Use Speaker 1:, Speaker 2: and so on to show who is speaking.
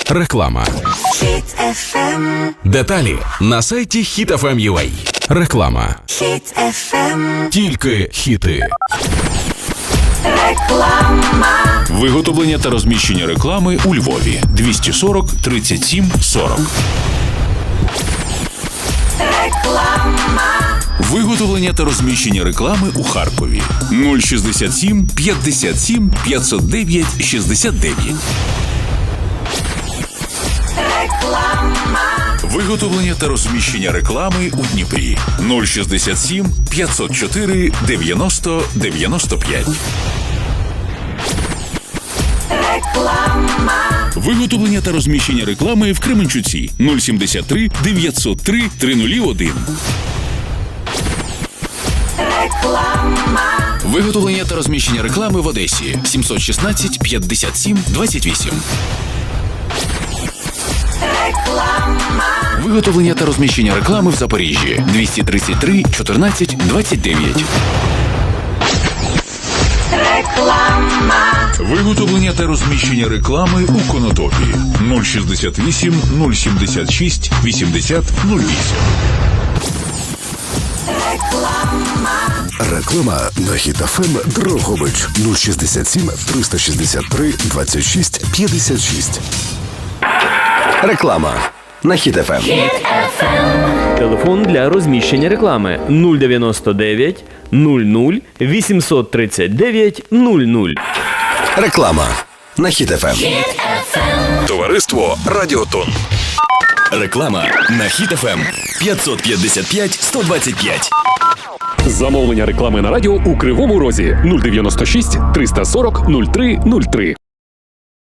Speaker 1: Реклама.
Speaker 2: Hit FM.
Speaker 1: Деталі на сайті HitFM.ua. Реклама.
Speaker 2: Hit FM.
Speaker 1: Тільки хіти.
Speaker 2: Реклама.
Speaker 3: Виготовлення та розміщення реклами у Львові. 240 37 40.
Speaker 2: Реклама.
Speaker 3: Виготовлення та розміщення реклами у Харкові. 067 57 509 69.
Speaker 2: Реклама.
Speaker 3: Виготовлення та розміщення реклами у Дніпрі. 067 504 90 95.
Speaker 2: Реклама.
Speaker 3: Виготовлення та розміщення реклами в Кременчуці. 073 903 301.
Speaker 2: Реклама.
Speaker 3: Виготовлення та розміщення реклами в Одесі. 716 57 28.
Speaker 2: Реклама.
Speaker 3: Виготовлення та розміщення реклами в Запоріжжі. 233 14 29.
Speaker 2: Реклама.
Speaker 3: Виготовлення та розміщення реклами у Конотопі. 068 076 80 08.
Speaker 4: Реклама на Hit FM Дрогобич 067 363 26 56. Реклама на Hit FM.
Speaker 5: Телефон для розміщення реклами 099 00 839 00.
Speaker 4: Реклама на Hit FM.
Speaker 1: Товариство Радіотон.
Speaker 4: Реклама на Hit FM 555 125.
Speaker 6: Замовлення реклами на радіо у Кривому Розі 096 340 03 03.